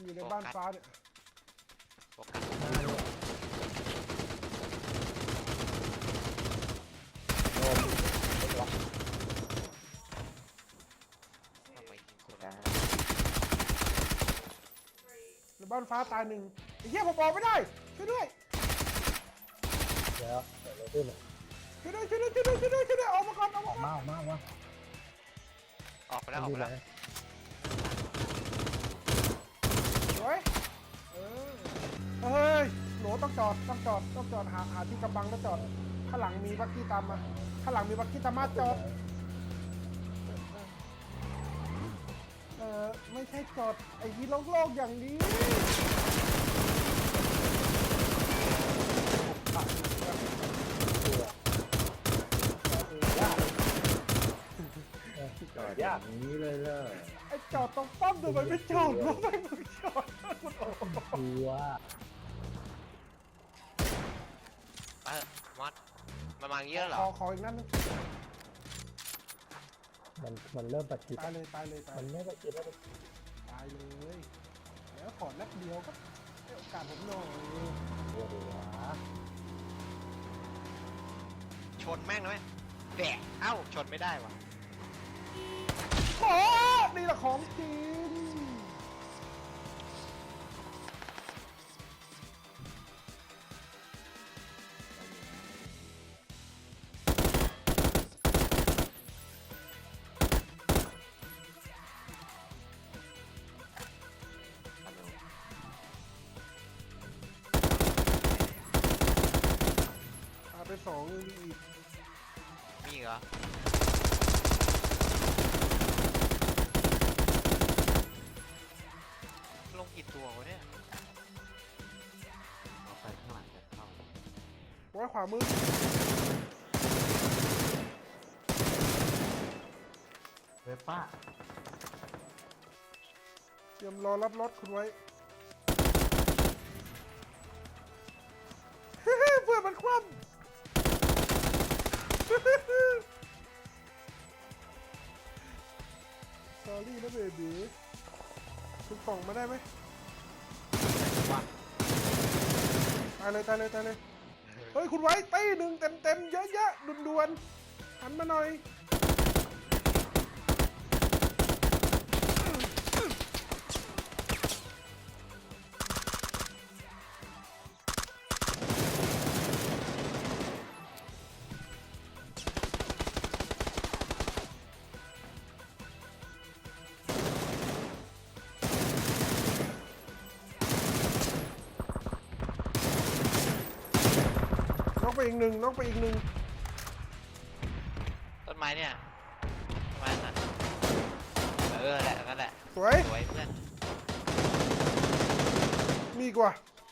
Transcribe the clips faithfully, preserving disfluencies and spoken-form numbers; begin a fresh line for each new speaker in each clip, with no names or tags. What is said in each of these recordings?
อยู่ในบ้านฟ้าเนี่ย
โฟกัสทำไมยิงคนละ
ในบ้านฟ้าตายหนึ่งไอ้เหี้ยผมบอกไม่ได้ช่วยด้วย
เดี๋ยวเดี๋ยวเราขึ้นเลย
ช่วยด้วยช่วยด้วยช่วยด้วยช่วยด้วยช่วยด้วยออกมาก่อนออก
อ
มา
อก
ก่อน
มาออกมาออกมา
ออกไปแล้วออกไปแล้ว
สวยเออเฮ้ยโหลต้องจอดต้องจอดต้องจอดหาหาที่กำบังแล้วจอดข้างหลังมีบักกี้ตามมาข้างหลังมีบักกี้ตามมาจอดเออไม่ใช่จอดไอ้ยี่โลกโลกอย่างนี้
จอดอย่างนี้เลยเลย
ไอ้จอดตรงป้อมทำไมไม่จอดวะไม่มึงจอดคุณโอ้
กลัว
เออมอสมามาเยอะเหร
ข
อ
อขออีกนั่นนึง
มันมันเริ่มประชิด
ตายเลยตายเลยตาย
มันไม่ประชิดแล้ว
ตายเลยแล้วขอนัดเดียวก็ให้โอกาสผมหน่อย
กลัวดีวะ
ชนแม่งนะไหมแดกเอ้าชนไม่ได้วะ
ขอนี่แหละของจริงตายไปสองยังมีอีก
มีอีกเหรอลงกี่ตัววะเนี่ย
เอาไปข้างหลังจะเข้า
ไว้ขวามือ
เว็บป้า
เตรียมรอรับรถคุณไว้ เพื่อนมันคว่ำ สอรี่นะเบบีคุณส่งมาได้ไหมตายเลยตายเลยตายเลย เฮ้ย คุณไว้ตีหนึ่งเต็มเต็มๆเยอะแยะด่วนๆหันมาหน่อยน้องไปอีกหนึ่งน้องไปอีกหนึ่ง
ต้นไม้เนี่ยต้นไม้นั่นเออแหละนั่นแหละ
สวย
สวยเพื่อน
มีกว่า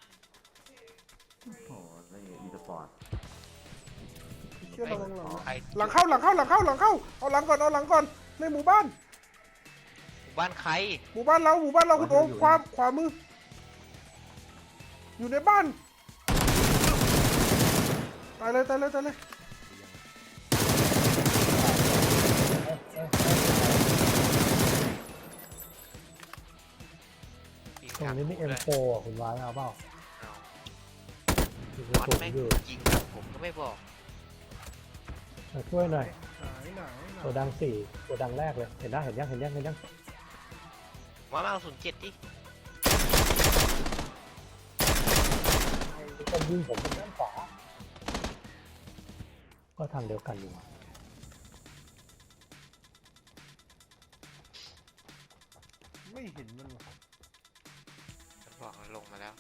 โอ้โหนี่อีสปอร์ต
เชื่อระวังหลัง
ใคร
หลังเข้าหลังเข้าหลังเข้าหลังเข้าเอาหลังก่อนเอาหลังก่อนในหมู่บ้าน
หมู่บ้านใคร
หมู่บ้านเราหมู่บ้านเราคุณโอ๊คขวาขวามือ อยู่ในบ้านตายเลยตายเลยตายเลย
ยิง
ตรงนี้มี
ทา
เอ็ม
คู่
โฟ
ด้วย
อ่ะคุณวายเอาเปล่า
เอา
มีก
ม
ระ
อส
สุน
แม่ง
อยู่
ยิงครับผมก็ไม่บอก
มาช่วยหน่อย
ไหนไหนไหน
ตัวดังสี่ตัวดังแรกเลยเห็นได้เห็นยังเห็นยังเห็นยัง
มามาเอาศูนย์เจ็ดดิ
มีคนยิงผมทางด้านขวาก็ทางเดียวกันอยู่อะ
ไม่เห็นมันหรอก
ฉันบอกมันลงมาแล้ว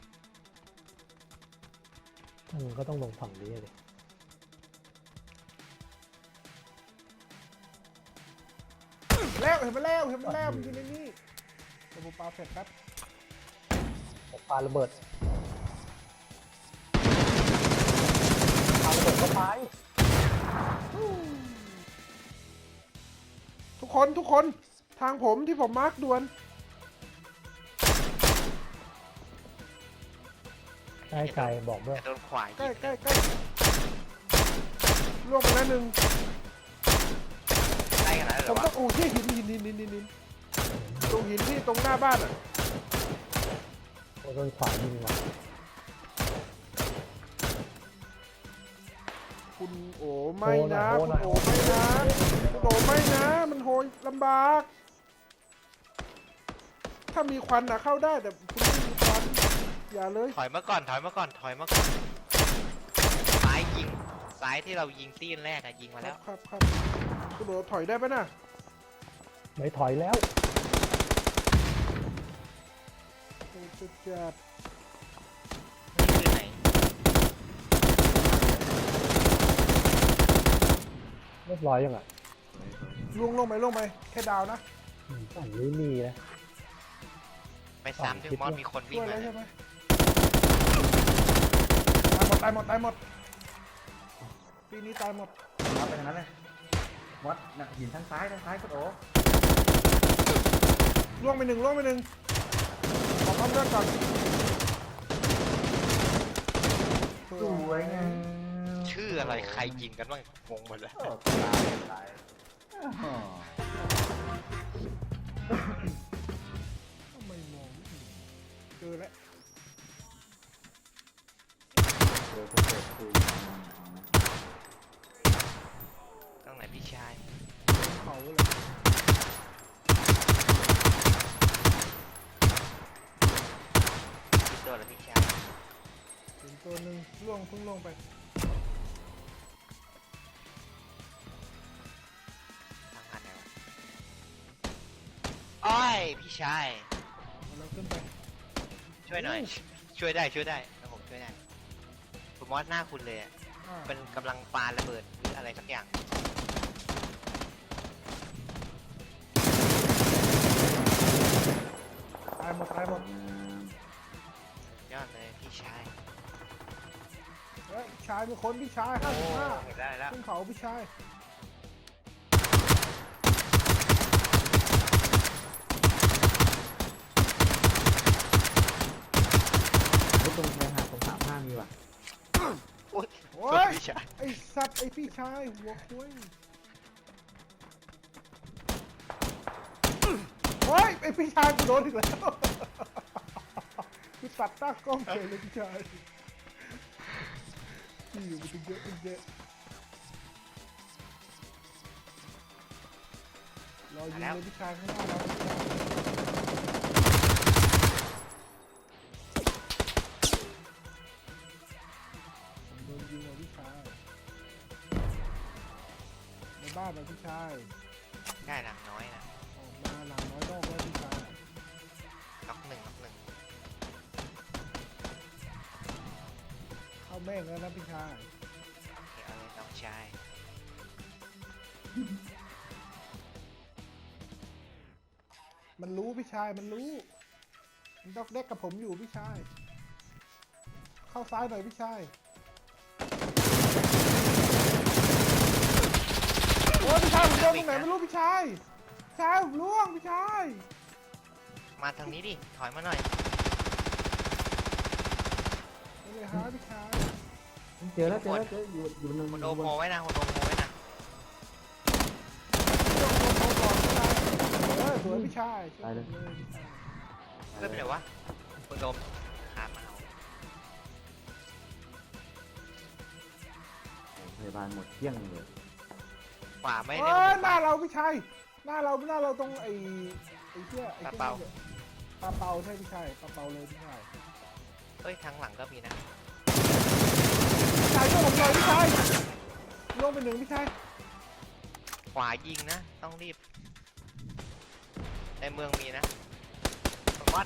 ถ้างั้นก็ต้องลงฝั่งนี้เลย
แล้วเห็นมันแล้วเห็นมันแล้วมันอยู่ในนี่เดี๋ยวผมปาเสร็จแป๊บ
ผมปาระเบิดปาระเบิดเข้าไป
ทุกคนทุกคนทางผมที่ผมมาร์กด่วน
ใกล้ไกลบอกด้วย
แต่โดนขวาย
ใกล้
ยิง
ใกล้ใกล้ล่วงไปแล้วหนึ่ง
ใกล้ขนาดนั้นเห
ผ
รอ
ม
วะ
ต้องโอ้ที่หินหินหินหินหินหินตรงหินที่ตรงหน้าบ้านอ่ะ
โดนขวายิงว่ะ
คุณโอไม่นะคุณโอไม่นะคุณโอไม่นะมันโหยลำบาก ถ้ามีควันนะเข้าได้แต่คุณไม่มีควันอย่าเลย
ถอยมาก่อนถอยมาก่อนถอยมาก่อนซ้ายยิงซ้ายที่เรายิงตีนแรกอะยิงมา
ค
แล้
รั
ว
บครับครับคุณโอถอยได้ปะน่ะ
ไม่ถอยแล้ว
โอ้สุดจัด
นี่คือไหน
เรียบร้อยยังอ่ะ
ล่วงลงไปลงไปแค่ดาวนะ
อืมฝั่งนี้มีนะ
ไปซ้ำที่มอสมีคนวิ่
ช่
ง
วยแล้
มาว
ใช่ไหมตายหมดตายหมดตายหมดปีนี้ตายหมด
เอาไปทางนั้นเลยวัดน่ะหินทางซ้ายทางซ้ายคุณโอ้
ล่วงไปหนึ่งล่วงไปหนึ่งขอความเลือดก่อน
สวยงาม
ชื่ออะไรใครยิงกันบ้างงงหมดแล้ว
โอ้ตายตายอ้าว
ทำไมมองไม่เห็นเจอแล้ว
เดี๋ยวจะเปิดคุย
ต้องไหนพี่ชาย
เขาเลย
พี่ตัวแล้วพี่ชาย
เห็นตัวหนึ่งล่วงเพิ่งล่วงไป
ทางอันไหนวะอ้อยพี่ชาย
เอาเราขึ้นไป
ช่วยหน่อย ช่วยได้ช่วยได้แล้วผมช่วยได้ผมมอสหน้าคุณเลยอะ
อ่า
เป็นกำลังปาระเบิดหรืออะไรสักอย่าง
ตายหมดตายหมด
ยอดเลยพี่ชาย
เฮ้ยชายมีคนพี่ชายห้าสิบห้า
เห็นได้แล้ว
ขึ้นเขาพี่ชาย
ไอ้ตรงชายหาดตรงสามห้ามีว่ะ
โอ้ย
โอ้
โทษ
ย
พี่ชาย
ไอสัตว์ไอพี่ชายหัวคุยโอ้ยไอพี่ชายกูโดนอีกแล้วกูตัดตั้งกล้องเลยเลยพี่ชายที่อยู่มันเยอะมันเยอะรอยิงเลยพี่ชายข้างหน้าเราผมโดนยิงเลยพี่ชายในบ้านเลยพี่ชาย
ได้หลังน้อยนะ
ออกมาหลังน้อยนอกแล้วพี่ชาย
น็อกหนึ่งน็อกหนึ่ง
เข้าแม่งแล้วนะพี่ชาย
โอเคเอาเลยน้องชาย
มันรู้พี่ชายมันรู้มันดอกเด็กกับผมอยู่พี่ชายเข้าซ้ายหน่อยพี่ชายโอ้ยพี่ชายผมโดนตรงไหนไม่รู้พี่ชายพี่ชายผมล่วงพี่ชาย
มาทางนี้ดิถอยมาหน่อย
ไปเลยฮะพี่ชาย
เจอแล้วเจอแล้วเจออยู่อยู่นึง
คุณโอมโมไว้นะคุณโอมโมไว้นะ
ล่วงลงเขาก่อนพี่ชายเออสวยพี่ชายช่วยผมเลยพี่ชาย
เพื่อนไปไหนวะคุณโอมขามาเอา
พยาบาลหมดเที่ยงเลย
ขวาไม่
เอ
ได้
อ
ผม
หน้าเราพี่ชายหน้าเราหน้าเราตรงไอ้ไอ้เชี่ยไอ้
ปลา
เชี่ย
เปา
ปลาเปาใช่พี่ชายปลาเปาเลยพี่ชาย
เฮ้ยทางหลังก็มีนะ
พี่ชายช่วยผมหน่อยพี่ชายล่วงไปหนึ่งพี่ชาย
ขวายิงนะ ต้องรีบ ในเมืองมีนะวัด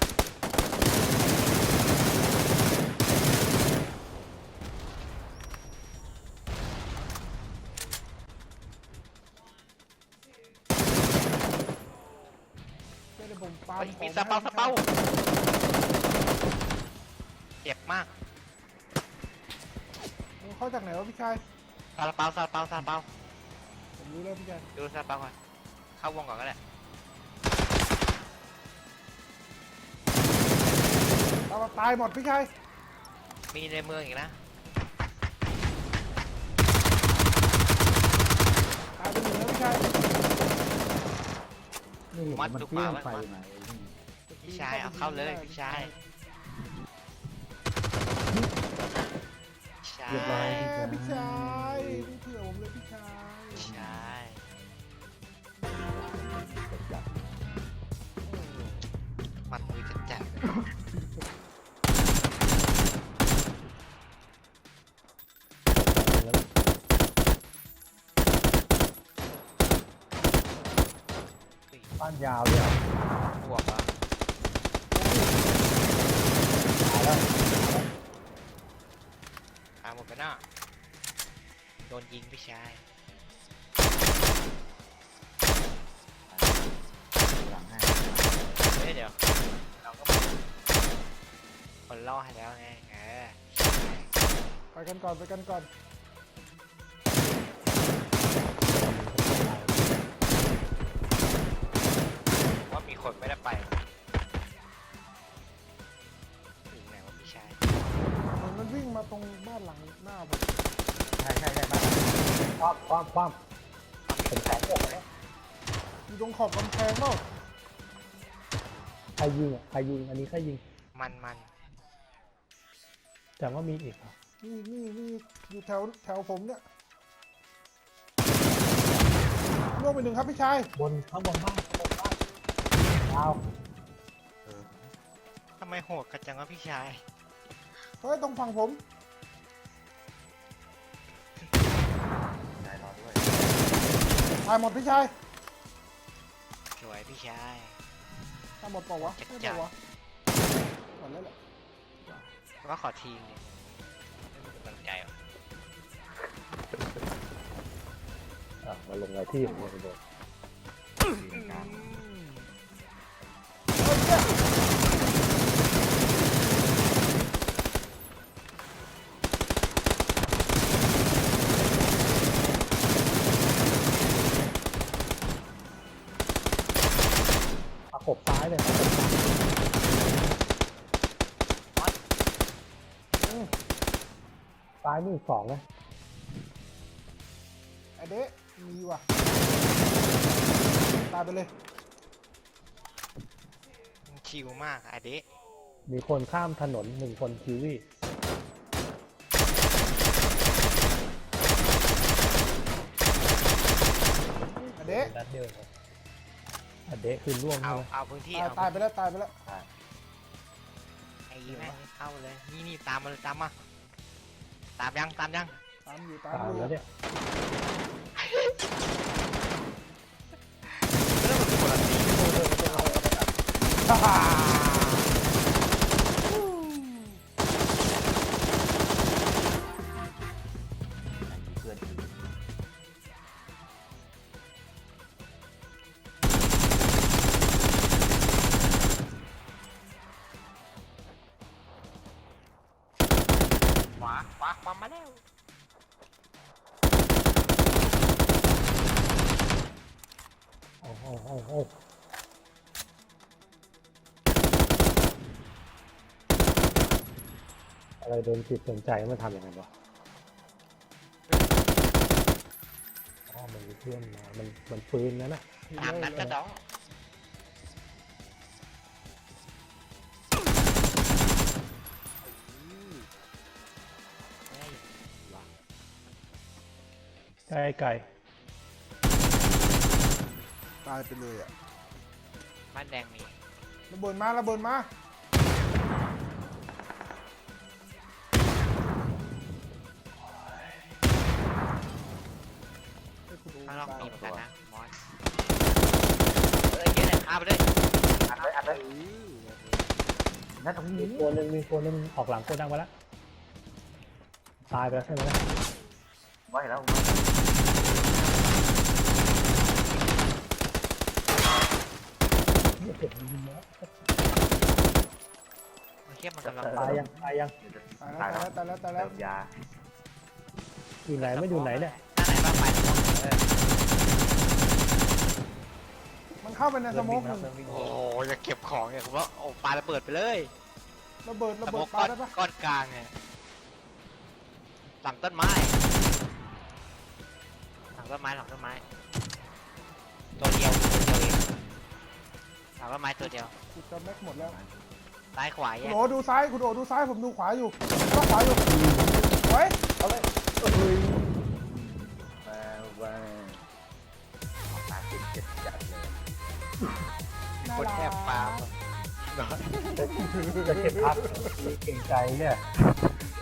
เดี๋ยวผมปา
เฮ้ย
ของ
มีสเปาสเปาเจ็บมาก
มันเข้าจากไหนวะพี่ชาย
ซาลาเปาซาลาเปาซาลาเปา
ผมรู้แล้วพี่ชาย
ดูซาลาเปาก่อนเข้าวงก่อนก็ได้
เราตายหมดพี่ชาย
มีในเมืองอีกนะ
ตายไปหนึ่งแล้วพี่ชาย
นี่เห็นมันเที่ยงไฟไหน
พี่ชายเอาเข้าเลยพี่ชายา
เรียบร้อย
แหมพี่ชายนี่เผื่อผมเลยพี่ชาย
ใช่
จับ
มันมือจัดจัด
แล้ว บ้านยาวด้วยเหรอบ
วกอ่ะ
ตายแล้ว
ตามหมดไปหน้าโดนยิงพี่ชาย
หลังให้
เฮ้ยเดี๋ยวเราก็คนล่อให้แล้วไงเออ
ไปกันก่อนไปกันก่อน
ว่ามีคนไม่ได้ไปถึงไหนวะพี่ชาย
เหมือนมันวิ่งมาตรงบ้านหลังหน้าผม
ใช่ใช่ใช่บ้าน
ความความความผมแข็งหมดแล้ว
อยู่ตรงขอบกำแพงเปล่า
ใครยิงอ่ะใครยิงอันนี้ใครยิง
มันมัน
แต่ว่ามีอีกเหรอ
นี่นี่นี่อยู่แถวแถวผมเนี่ยล่วงไปหนึ่งครับพี่ชาย
บนข้างบนบ้านข้างบนบ้านยาว
ทำไมโหดกันจังวะพี่ชาย
เฮ้ยตรงฝั่งผม
นายรอด้วย
ตายหมดพี่ชาย
สวยพี่ชาย
ตายหมดเปล่าวะ
จัด
ไม่
จ้ะ
เปล่าวะหมดแล้วแหละ
ก็ขอทีมเนี่ยไม่มีกำลังใจหรอ
อ่ะมาลงรายที่ผมเลยโดน
สีกลาง
เฮ้ยเนี่ย
ประกบซ้ายเลยประกบซ้าย
อืม
ซ้ายมือสองนะ
ไอเดะมีว่ะตายไปเลย
มันชิลมากอะเดะ
มีคนข้ามถนนหนึ่งคนคิวี่
ไอเดะ
นัดเดียวเลยอันเดะคือล่วง
เอา
ใช่ไหม
เอาพื้นที่
ตาย
เอา
ตายไปแล้วตายไปแล้ว
ไอ้แม่งเข้าเลย นี่นี่ตามมาเลยตามมา ตามยังตามยัง
ตามอยู่ตาม
ตาม
อยู่
แล้วเนี่ย
ฮ่าฮ่า
เพื่อน
ขวาขวาขวามาแล้ว
โอ้โหโอ้โหโอ้โหอะไรโดนจิตสนใจมันทำอย่างไรวะอ๋อมันมีเพื่อนมา มันมันปืนนั่นน่ะ
ตามนั้นก็ต้องเฮ้ย
ไก่ไก่
ตายไปเลยอ่ะ
บ้านแดงมี
ระเบิดมาระเบิดมาให้คุณโอ
ข้างนอก
ตาย
มีเหมือนกันนะมอสเอ้ยเยอะเลยเอาไปเลย
อัดเลยอัดเลยนั่นตรง
มี
นี้
ตัวหนึ่งมีตัวหนึ่งออกหลังโกดังไปแล้ว ตายไปแล้วใช่ไหมล่ะ
ไว้แล้ว
เก็บยิงแล้ว
มันเทียบมันกำลัง
ตายยังตายยัง
ตายแล้วตายแล้วตายแล้วตายแล้ว
เติมยา
อยู่ไหนไม่อยู่ไหนเนี่ย
ด้านไหนบ้างไปเออ
มันเข้าไปในสโมกหนึ่ง
โอ้โหอย่าเก็บของเนี่ยผมว่าโอ้ปาระเบิดไปเลย
ระเบิดระ
ส
เบิ
โม
ด
ก
ปา
ก้อน
ได้ปะ
ก้อนกลางเนี่ยหลังต้นไม้หลังต้นไม้หลังต้นไม้ ตัวเดียวตัวเดียวเองหลังต้นไม้ตัวเดียว
กูจะแม็กหมดแล้ว
ซ้ายขวาแย
คุณ
ก
โอดูซ้ายคุณโอดูซ้ายผมดูขวาอยู่ก็ขวาอยู่โอวย
เอาเลยเอ้ยมาว่าตาติดเจ็ดจัดเลย
น่า
คน
รัก
แอบปาล์ม
จะเก็บพักเก่งใจเนี่ย